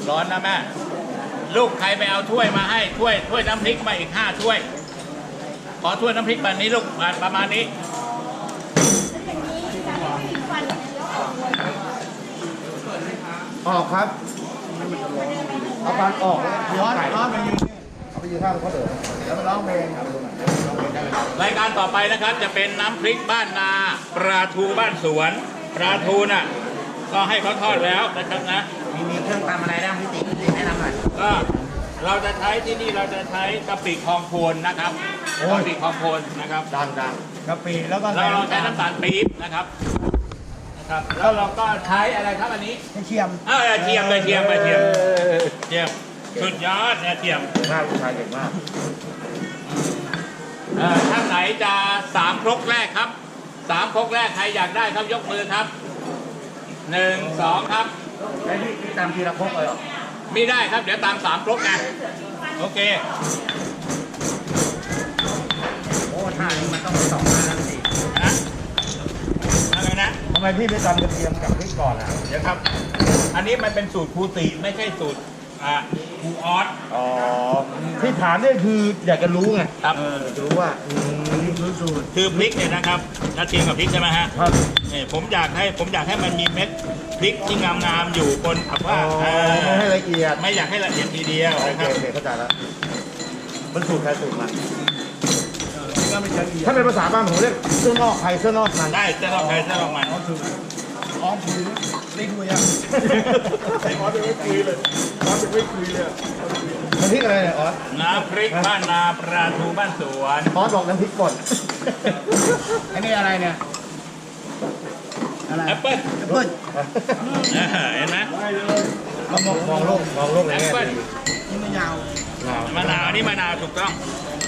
ร้อนนะแม่ลูกใครไปเอาถ้วยมาให้ถ้วยน้ำพริกมาอีก5 ถ้วยขอถ้วยน้ำพริกแบบนี้ลูกประมาณนี้ออกครับเอาปานออกย้อนไปยืนเอาไปยืนข้างเขาเดินแล้วมาร้องเพลงครับรายการต่อไปนะครับจะเป็นน้ำพริกบ้านนาปลาทูบ้านสวนปลาทูน่ะก็ให้เขาทอดแล้วนะครับนะมีเครื่องตำอะไรได้พี่ติ๊กแนะนำหน่อยก็เราจะใช้ที่นี่เราจะใช้กะปิคลองโคนนะครับกะปิคลองโคนนะครับดังกะปิแล้วก็เราใช้น้ำตาลปี๊บนะครับแล้วเราก็ใช้อะไรครับอันนี้เทียมเทียมสุดยอดเนี่ยเทียมมากผู้ชายเก่งมากท่านไหนจะ3 ครกแรกครับ3 ครกแรกใครอยากได้ครับยกมือครับ1 2ครับไอ้พี่ตามทีละครกเลยหรอไม่ได้ครับเดี๋ยวตาม3 ครกไงโอเคโอ้ท่านี้มันต้อง2 หน้าแล้วสิอะไรนะทำไมพี่ไม่ตำกระเทียมกับพริกก่อนอ่ะเดี๋ยวครับอันนี้มันเป็นสูตรครูติไม่ใช่สูตรครูออสที่ถามนี่คืออยากจะรู้ไงครับจะรู้ว่ารู้สูตรคือพริกเนี่ยนะครับกระเทียมกับพริกใช่ไหมฮะครับเนี่ยผมอยากให้มันมีเม็ดพริกที่งามๆอยู่บนผักว่าไม่ให้ละเอียดไม่อยากให้ละเอียดทีเดียวนะครับเข้าใจแล้วมันสูตรใครสูตรมันถ้าเป็นภาษาบ้านผมเรียกเสื้อนอกใครเสื้อนอกมันได้เสื้อนอกใครเสื้อนอกมันอ๋อคือไม่คุยอ่ะไอ้อ๋อเป็นไม่คุยเลยอ๋อเป็นไม่คุยเลยน้ำพริกอะไรเนี่ยอ๋อน้ำพริกบ้านนาปลาทูบ้านสวนอ๋อบอกน้ำพริกก่อนอันนี้อะไรเนี่ยแอปเปิ้ลเห็นไหมมองโลกแอปเปิ้ลนี่มะนาวนี่มะนาวถูกต้อง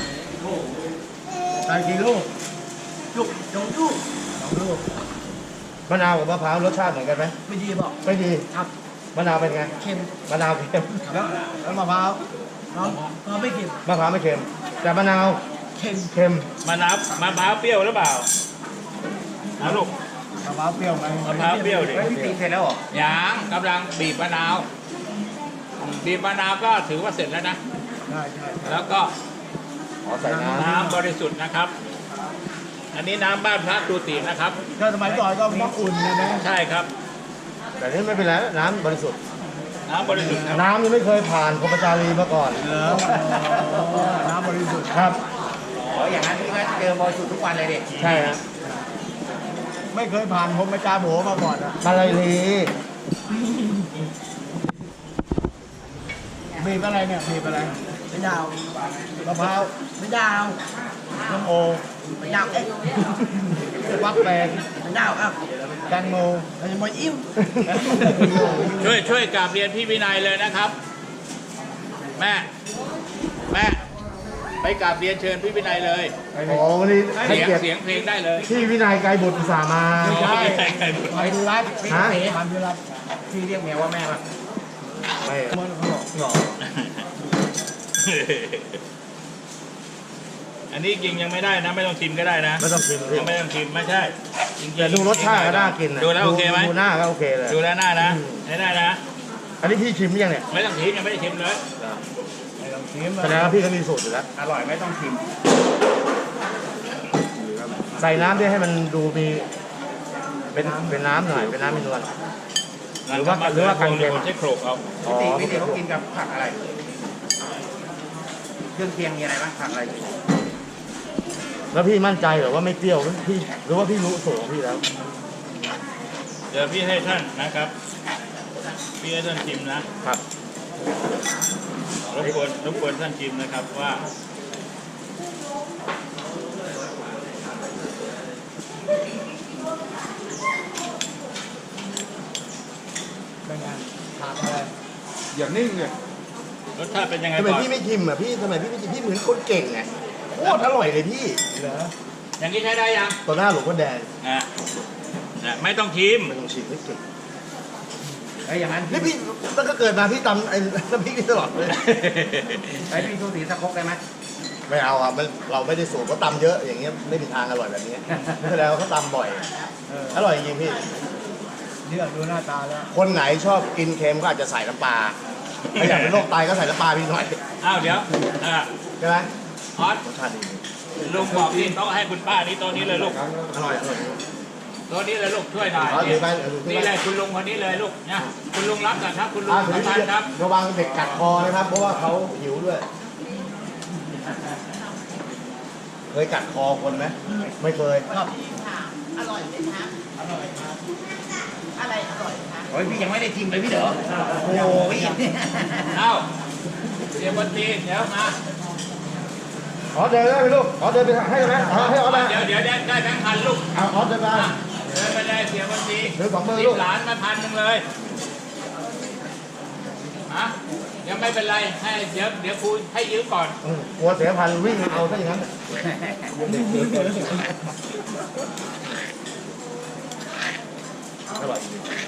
ใส่กี่ลูกลูกมะนาวกับมะพร้าวรสชาติเหมือนกันไหมไม่ดีบอกไม่ดีครับมะนาวเป็นไงเค็มมะนาวเค็มแล้วมะพร้าวไม่เค็มมะพร้าวไม่เค็มแต่มะนาวเค็มมะพร้าวเปรี้ยวหรือเปล่าลูกมะพร้าวเปรี้ยวไหมมะพร้าวเปรี้ยวดิพี่ตีเสร็จแล้วเหรอยังกำลังบีบมะนาวก็ถือว่าเสร็จแล้วนะใช่แล้วก็ใส่น้ำบริสุทธิ์นะครับอันนี้น้ำบ้านพระตูตินะครับถ้าสมัยก่อนก็ต้องอุ่นนะใช่ครับแต่นี่ไม่เป็นไรน้ำบริสุทธิ์น้ำยังไม่เคยผ่านพรหมจารีมาก่อนน้ำบริสุทธิ์ครับอย่างนั้นพี่ก็เจอบริสุทธิ์ทุกวันเลยเด็กใช่ครับไม่เคยผ่านพรหมจาโบมาก่อนอะอะไรลีบีบอะไรเนี่ยบีบอะไรไม่ยาวมะพร้าวไม่ยาวน้ำโอไม่ยาววักแปงไม่ยาวครับแตงโมมันมวยอิ่มช่วยกราบเรียนพี่วินัยเลยนะครับแม่ไปกราบเรียนเชิญพี่วินัยเลยโอ้วันนี้เสียงเพลงได้เลยพี่วินัยไกรบุตรอุตส่าห์มาไปดูรัฐพี่เรียกเมียว่าแม่ป่ะไม่หรออันนี้กินยังไม่ได้นะไม่ต้องชิมก็ได้นะไม่ต้องชิมยังไม่ต้องชิมไม่ใช่แต่ดูรสชาติก็น่ากินดูแล้วโอเคไหมดูหน้าก็โอเคเลยดูแล้วหน้านะได้นะอันนี้พี่ชิมยังเนี่ยไม่ต้องชิมยังไม่ได้ชิมเลยแสดงว่าพี่เขามีสูตรอยู่แล้วอร่อยไม่ต้องชิมใส่น้ำด้วยให้มันดูมีเป็นน้ำหน่อยเป็นน้ำมีนวลหรือว่ากันเค็มใช้โขลกเอาพี่ตีเขากินกับผักอะไรเครื่องเคียงมีอะไรบ้างผักอะไรแล้วพี่มั่นใจหรือว่าไม่เปรี้ยวพี่หรือว่าพี่รู้สูตรของพี่แล้วเดี๋ยวพี่ให้ท่านนะครับพี่ให้ท่านชิมนะครับรบกวนท่านชิมนะครับว่าเป็นไงผักอะไรอย่างนิ่งเลยรสชาติเป็นยังไงทำไมพี่ไม่ชิมอ่ะพี่ทำไมพี่ไม่ชิมพี่เหมือนคนเก่งไงโคตรอร่อยเลยพี่เหรออย่างนี้ใช้ได้ยังต่อหน้าหลวงพ่อแดงไม่ต้องชิมไม่เก่งอย่างนั้นนี่พี่ตั้งแต่เกิดมาพี่ตำไอ้น้ำพริกนี่ตลอดเลยไอ้พี่ทูสีสักครกได้ไหมไม่เอาอ่ะเราไม่ได้สูตรเขาตำเยอะอย่างเงี้ยไม่มีทางอร่อยแบบนี้ไม่แล้วเขาตำบ่อยอร่อยจริงพี่เลือกดูหน้าตาแล้วคนไหนชอบกินเค็มก็อาจจะใส่น้ำปลาถ้าอยากเป็นโรคไตก็ใส่น้ำปลาพี่หน่อยอ้าวเดี๋ยวใช่ไหมออสรสชาติดีลุงบอกที่โต๊ะให้คุณป้านี่โต๊ะนี้เลยลูกอร่อยอร่อยโต๊ะนี้เลยลูกช่วยหน่อยถือไปถือนี่ไปเลยคุณลุงคนนี้เลยลูกนะคุณลุงรับก่อนครับคุณลุงถืสำคัญครับระวังเด็กกัดคอนะครับ เพราะว่าเขาหิวด้วย เคยกัดคอคนไหมไม่เคยค่ะอร่อยไหมคะอร่อยครับอะไรอร่อยคะโอ้ยพี่ยังไม่ได้ชิมเลยพี่เด๋อโอ้ยเอ้าเสียบนตีเดี๋ยวมาขอเดินได้ไหมลูกขอเดินไปให้ไหมให้ออสนะเดี๋ยวได้แบงค์พันลูกเอาออสเดินมาเดินไปเลยเสียบนตีเดินสองมือสิลูบกหลานมา1,000เลยฮะยังไม่เป็นไรให้เดี๋ยวครูให้ยืมก่อนกลัวเสียพันวิ่งเอาซะอย่างนั้นอร่อย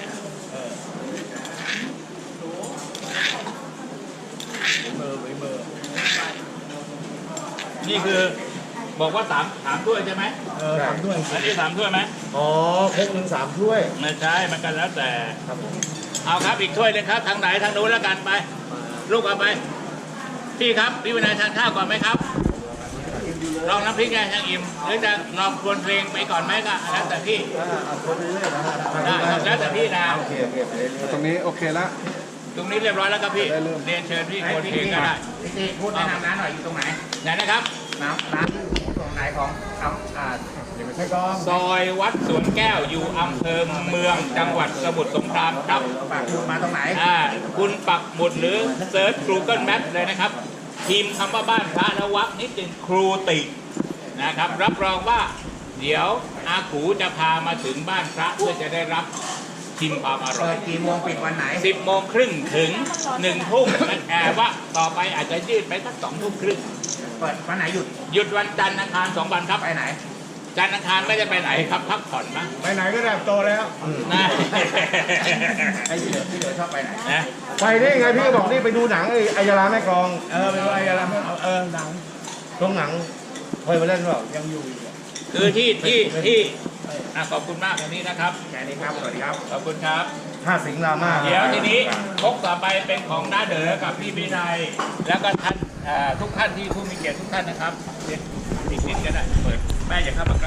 นี่คือบอกว่าถามถ้วยใช่ไหมทำด้วยอันนี้3 ถ้วยไหมอ๋อครกหนึ่ง3 ถ้วยไม่ใช่มันกันแล้วแต่ครับผมเอาครับอีกถ้วยหนึงครับทางไหนทางนู้นแล้วกันไป ลูกเอาไปพี่ครับพี่วินัยทานข้าวก่อนไหมครับลองน้ำพริกไงยังอิ่มหรือจะลองครวนเพลงไปก่อนไหมก็แล้วแต่พี่เอาคนไปเรื่อยๆนะฮะได้ครับแล้วแต่พี่นะโอเคโอเคไปเรื่อยตรงนี้โอเคแล้วตรงนี้เรียบร้อยแล้วครับพี่ได้เริ่มเรียนเชิญพี่ครวนเพลงก็ได้พี่ตีพูดแนะนำร้านหน่อยอยู่ตรงไหนไหนนะครับร้านตรงไหนของๆให้กองซอยวัดสวนแก้วอยู่อำเภอเมืองจังหวัดสมุทรสงครามครับฝากคุณมาตรงไหนคุณปักหมุดหรือเซิร์ช Google Maps เลยนะครับพิมพ์คำว่าบ้านพระนวักนิดนึงครูตินะครับ รับรองว่าเดี๋ยวอากูจะพามาถึงบ้านพระเพื่อจะได้รับชิมความอร่เปิอยดกี่โมงปิดวันไหน 10 โมงครึ่งถึง 1 ทุ่มแต่ว่าต่อไปอาจจะยืดไปสัก2 ทุ่มครึ่งเปิดวันไหนหยุดหยุดวันจันทร์อังคาร2 วันครับไปไหนจันทร์อังคารไม่ได้ไปไหนครับพักผ่อนมั้งไปไหนก็ได้โตแล้วนะไอ้พี่เด๋อชอบไปไหนนะไปได้ไงพี่บอกนี่ไปดูหนังไอ้อัยยาลาแม่กลองไปดูไอ้อะไรหนังโรงหนังเคยมาเล่นเปล่ายังอยู่คือที่ขอบคุณมากวันนี้นะครับแค่นี้ครับ สวัสดีครับขอบคุณครับ 5 สิงห์รามาเดี๋ยวทีนี้คกต่อไปเป็นของน้าเด๋อกับพี่วินัยแล้วก็ท่านทุกท่านที่ผู้มีเกียรติทุกท่านนะครับเดี๋ยวอีกนิดก็ได้เปิดแม่อย่าเข้ามาใกล้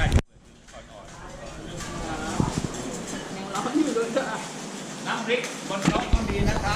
อ่อนๆน้ำพริกบนโต๊ะต้องดีนะครับ